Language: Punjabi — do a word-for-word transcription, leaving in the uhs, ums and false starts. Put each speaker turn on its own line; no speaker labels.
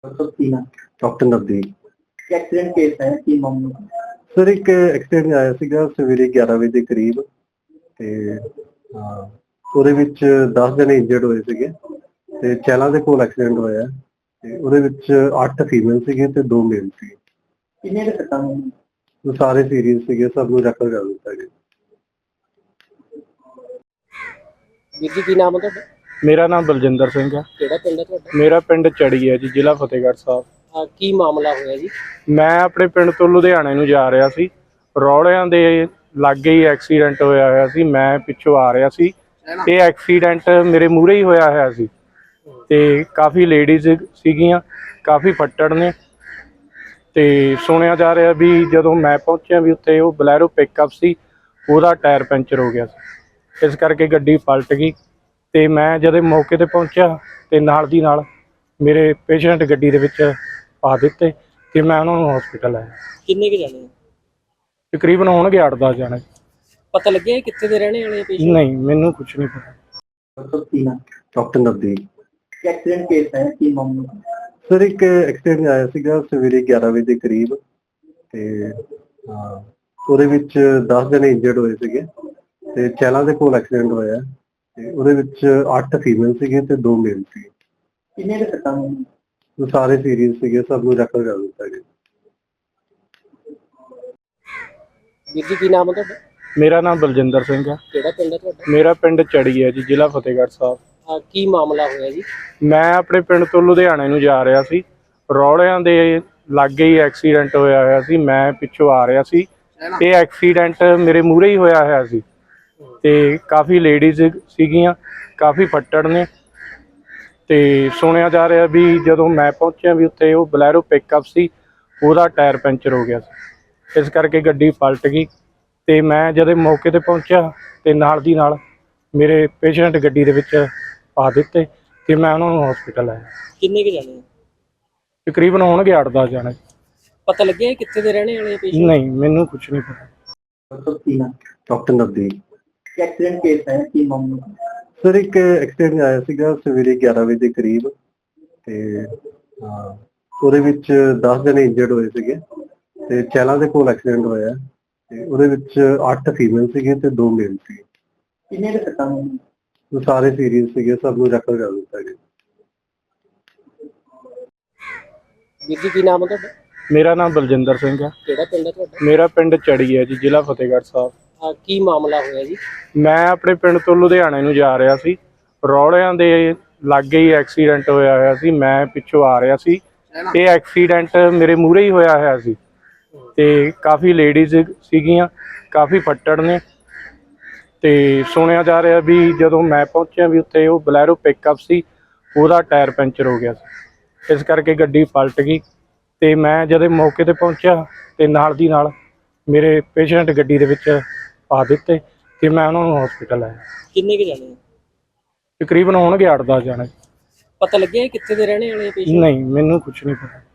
डॉक्टर नवदीप
एक्सीडेंट केस है की मामला
सर एक ਐਕਸੀਡੈਂਟ ਆਇਆ ਸੀਗਾ ਸਵੇਰੇ ਗਿਆਰਾਂ ਵਜੇ ਦੇ ਕਰੀਬ ਤੇ ਹਾਂ ਉਹਦੇ ਵਿੱਚ ਦਸ ਜਣੇ ਇੰਜਰਡ ਹੋਏ ਸੀਗੇ ਤੇ ਚੈਲਾ ਦੇ ਕੋਲ ਐਕਸੀਡੈਂਟ ਹੋਇਆ ਤੇ ਉਹਦੇ ਵਿੱਚ ਅੱਠ ਫੀਮੇਲ ਸੀਗੇ ਤੇ ਦੋ ਮੇਲ ਸੀਗੇ।
ਕਿੰਨੇ ਦੇ ਸੱਟਾਂ ਨੇ?
ਉਹ ਸਾਰੇ ਸੀਰੀਅਸ ਸੀਗੇ, ਸਭ ਨੂੰ ਰੈਫਰ ਕਰ ਦਿੱਤਾ ਗਿਆ।
ਵੀਰ ਜੀ ਕੀ ਨਾਮ ਹੈ ਤੁਹਾਡਾ?
ਮੇਰਾ ਨਾਮ ਬਲਜਿੰਦਰ ਸਿੰਘ ਹੈ।
ਕਿਹੜਾ ਪਿੰਡ ਹੈ ਤੁਹਾਡਾ?
ਮੇਰਾ ਪਿੰਡ ਚੜੀ ਹੈ ਜੀ, ਜ਼ਿਲ੍ਹਾ ਫਤਿਹਗੜ੍ਹ ਸਾਹਿਬ।
ਆ ਕੀ ਮਾਮਲਾ ਹੋਇਆ ਜੀ?
ਮੈਂ ਆਪਣੇ ਪਿੰਡ ਤੋਂ ਲੁਧਿਆਣੇ ਨੂੰ ਜਾ ਰਿਹਾ ਸੀ, ਰੌਲਿਆਂ ਦੇ ਲਾਗੇ ਹੀ ਐਕਸੀਡੈਂਟ ਹੋਇਆ ਹੋਇਆ ਸੀ। ਮੈਂ ਪਿੱਛੋਂ ਆ ਰਿਹਾ ਸੀ, ਇਹ ਐਕਸੀਡੈਂਟ ਮੇਰੇ ਮੂਹਰੇ ਹੀ ਹੋਇਆ ਹੋਇਆ ਸੀ ਤੇ ਕਾਫੀ ਲੇਡੀਜ਼ ਸੀਗੀਆਂ, ਕਾਫੀ ਫੱਟੜ ਨੇ ਤੇ ਸੁਣਿਆ ਜਾ ਰਿਹਾ ਵੀ ਜਦੋਂ ਮੈਂ ਪਹੁੰਚਿਆ ਵੀ ਉੱਥੇ ਉਹ ਬਲੈਰੋ ਪਿਕਅਪ ਸੀ, ਉਹਦਾ ਟਾਇਰ ਪੈਂਚਰ ਹੋ ਗਿਆ ਸੀ, ਇਸ ਕਰਕੇ ਗੱਡੀ ਪਲਟ ਗਈ। ਤੇ ਮੈਂ ਜਦੋਂ ਮੌਕੇ ਤੇ ਪਹੁੰਚਿਆ ਤੇ ਨਾਲ ਦੀ ਨਾਲ ਮੇਰੇ ਪੇਸ਼ੈਂਟ ਗੱਡੀ ਦੇ ਵਿੱਚ ਪਾ ਦਿੱਤੇ ਤੇ ਮੈਂ ਉਹਨਾਂ ਨੂੰ ਹਸਪੀਟਲ ਲਾਇਆ।
ਕਿੰਨੇ ਕੁ ਜਾਣੇ?
ਤਕਰੀਬਨ ਹੋਣਗੇ ਅੱਠ ਦਸ ਜਾਣੇ।
ਪਤਾ ਲੱਗਿਆ ਕਿੱਥੇ ਦੇ ਰਹਿਣੇ ਵਾਲੇ ਪੇਸ਼ੈਂਟ?
ਨਹੀਂ, ਮੈਨੂੰ ਕੁਝ ਨਹੀਂ ਪਤਾ।
ਡਾਕਟਰ ਨਵਦੀਪ
एक्सीडेंट केस है की मामला
ਸਰ ਇੱਕ ਐਕਸੀਡੈਂਟ ਆਇਆ ਸੀਗਾ ਸਵੇਰੇ ਗਿਆਰਾਂ ਵਜੇ ਦੇ ਕਰੀਬ ਤੇ ਹਾਂ ਉਹਦੇ ਵਿੱਚ ਦਸ ਜਣੇ ਇੰਜਰਡ ਹੋਏ ਸੀਗੇ ਤੇ ਚੈਲਾ ਦੇ ਕੋਲ ਐਕਸੀਡੈਂਟ ਹੋਇਆ ਤੇ ਉਹਦੇ ਵਿੱਚ ਅੱਠ ਫੀਮੇਲ ਸੀਗੇ ਤੇ ਦੋ ਮੇਲ ਸੀਗੇ।
ਕਿੰਨੇ ਦੇ ਸੱਟਾਂ ਨੇ?
ਉਹ ਸਾਰੇ ਸੀਰੀਅਸ ਸੀਗੇ, ਸਭ ਨੂੰ ਰੈਫਰ ਕਰ ਦਿੱਤਾ ਗਿਆ।
ਵੀਰ ਜੀ ਕੀ ਨਾਮ ਹੈ ਤੁਹਾਡਾ?
ਮੇਰਾ ਨਾਮ ਬਲਜਿੰਦਰ ਸਿੰਘ ਹੈ।
ਕਿਹੜਾ ਪਿੰਡ ਹੈ ਤੁਹਾਡਾ?
ਮੇਰਾ ਪਿੰਡ ਚੜੀ ਹੈ ਜੀ, ਜ਼ਿਲ੍ਹਾ ਫਤਿਹਗੜ੍ਹ ਸਾਹਿਬ।
ਆ ਕੀ ਮਾਮਲਾ ਹੋਇਆ ਜੀ?
ਮੈਂ ਆਪਣੇ ਪਿੰਡ ਤੋਂ ਲੁਧਿਆਣੇ ਨੂੰ ਜਾ ਰਿਹਾ ਸੀ, ਰੌਲਿਆਂ ਦੇ ਲਾਗੇ ਹੀ ਐਕਸੀਡੈਂਟ ਹੋਇਆ ਹੋਇਆ ਸੀ। ਮੈਂ ਪਿੱਛੋਂ ਆ ਰਿਹਾ ਸੀ, ਇਹ ਐਕਸੀਡੈਂਟ ਮੇਰੇ ਮੂਹਰੇ ਹੀ ਹੋਇਆ ਹੋਇਆ ਸੀ ਤੇ ਕਾਫੀ ਲੇਡੀਜ਼ ਸੀਗੀਆਂ, ਕਾਫੀ ਫੱਟੜ ਨੇ ਤੇ ਸੁਣਿਆ ਜਾ ਰਿਹਾ ਵੀ ਜਦੋਂ ਮੈਂ ਪਹੁੰਚਿਆ ਵੀ ਉੱਥੇ ਉਹ ਬਲੈਰੋ ਪਿਕਅਪ ਸੀ, ਉਹਦਾ ਟਾਇਰ ਪੈਂਚਰ ਹੋ ਗਿਆ ਸੀ, ਇਸ ਕਰਕੇ ਗੱਡੀ ਪਲਟ ਗਈ। ਤੇ ਮੈਂ ਜਦੋਂ ਮੌਕੇ ਤੇ ਪਹੁੰਚਿਆ ਤੇ ਨਾਲ ਦੀ ਨਾਲ ਮੇਰੇ ਪੇਸ਼ੈਂਟ ਗੱਡੀ ਦੇ ਵਿੱਚ ਪਾ ਦਿੱਤੇ ਤੇ ਮੈਂ ਉਹਨਾਂ ਨੂੰ ਹਸਪੀਟਲ ਲਾਇਆ।
ਕਿੰਨੇ ਕੁ ਜਾਣੇ?
ਤਕਰੀਬਨ ਹੋਣਗੇ ਅੱਠ ਦਸ ਜਾਣੇ।
ਪਤਾ ਲੱਗਿਆ ਕਿੱਥੇ ਦੇ ਰਹਿਣੇ ਵਾਲੇ ਪੇਸ਼ੈਂਟ?
ਨਹੀਂ, ਮੈਨੂੰ ਕੁਝ ਨਹੀਂ ਪਤਾ।
ਡਾਕਟਰ ਨਵਦੀਪ
एक्सीडेंट केस है की मामला
ਸਰ ਇੱਕ ਐਕਸੀਡੈਂਟ ਆਇਆ ਸੀਗਾ ਸਵੇਰੇ ਗਿਆਰਾਂ ਵਜੇ ਦੇ ਕਰੀਬ ਤੇ ਹਾਂ ਉਹਦੇ ਵਿੱਚ ਦਸ ਜਣੇ ਇੰਜਰਡ ਹੋਏ ਸੀਗੇ ਤੇ ਚੈਲਾ ਦੇ ਕੋਲ ਐਕਸੀਡੈਂਟ ਹੋਇਆ ਤੇ ਉਹਦੇ ਵਿੱਚ ਅੱਠ ਫੀਮੇਲ ਸੀਗੇ ਤੇ ਦੋ ਮੇਲ ਸੀਗੇ।
ਕਿੰਨੇ ਦੇ ਸੱਟਾਂ ਨੇ?
ਉਹ ਸਾਰੇ ਸੀਰੀਅਸ ਸੀਗੇ, ਸਭ ਨੂੰ ਰੈਫਰ ਕਰ ਦਿੱਤਾ ਗਿਆ।
ਵੀਰ ਜੀ ਕੀ ਨਾਮ ਹੈ ਤੁਹਾਡਾ?
ਮੇਰਾ ਨਾਮ ਬਲਜਿੰਦਰ ਸਿੰਘ ਹੈ।
ਕਿਹੜਾ ਪਿੰਡ ਹੈ ਤੁਹਾਡਾ?
ਮੇਰਾ ਪਿੰਡ ਚੜੀ ਹੈ ਜੀ, ਜ਼ਿਲ੍ਹਾ ਫਤਿਹਗੜ੍ਹ ਸਾਹਿਬ।
ਆ ਕੀ ਮਾਮਲਾ ਹੋਇਆ ਜੀ?
ਮੈਂ ਆਪਣੇ ਪਿੰਡ ਤੋਂ ਲੁਧਿਆਣੇ ਨੂੰ ਜਾ ਰਿਹਾ ਸੀ, ਰੌਲਿਆਂ ਦੇ ਲਾਗੇ ਹੀ ਐਕਸੀਡੈਂਟ ਹੋਇਆ ਹੋਇਆ ਸੀ। ਮੈਂ ਪਿੱਛੋਂ ਆ ਰਿਹਾ ਸੀ, ਇਹ ਐਕਸੀਡੈਂਟ ਮੇਰੇ ਮੂਹਰੇ ਹੀ ਹੋਇਆ ਹੋਇਆ ਸੀ ਤੇ ਕਾਫੀ ਲੇਡੀਜ਼ ਸੀਗੀਆਂ, ਕਾਫੀ ਫੱਟੜ ਨੇ ਤੇ ਸੁਣਿਆ ਜਾ ਰਿਹਾ ਵੀ ਜਦੋਂ ਮੈਂ ਪਹੁੰਚਿਆ ਵੀ ਉੱਥੇ ਉਹ ਬਲੈਰੋ ਪਿਕਅਪ ਸੀ, ਉਹਦਾ ਟਾਇਰ ਪੈਂਚਰ ਹੋ ਗਿਆ ਸੀ, ਇਸ ਕਰਕੇ ਗੱਡੀ ਪਲਟ ਗਈ। ਤੇ ਮੈਂ ਜਦੋਂ ਮੌਕੇ ਤੇ ਪਹੁੰਚਿਆ ਤੇ ਨਾਲ ਦੀ ਨਾਲ ਮੇਰੇ ਪੇਸ਼ੈਂਟ ਗੱਡੀ ਦੇ ਵਿੱਚ ਪਾ ਦਿੱਤੇ ਤੇ ਮੈਂ ਉਹਨਾਂ ਨੂੰ ਹਸਪੀਟਲ ਲਾਇਆ।
ਕਿੰਨੇ ਕੁ ਜਾਣੇ?
ਤਕਰੀਬਨ ਹੋਣਗੇ ਅੱਠ ਦਸ ਜਾਣੇ।
ਪਤਾ ਲੱਗਿਆ ਕਿੱਥੇ ਦੇ ਰਹਿਣੇ ਵਾਲੇ ਪੇਸ਼ੈਂਟ?
ਨਹੀਂ, ਮੈਨੂੰ ਕੁਝ ਨਹੀਂ ਪਤਾ।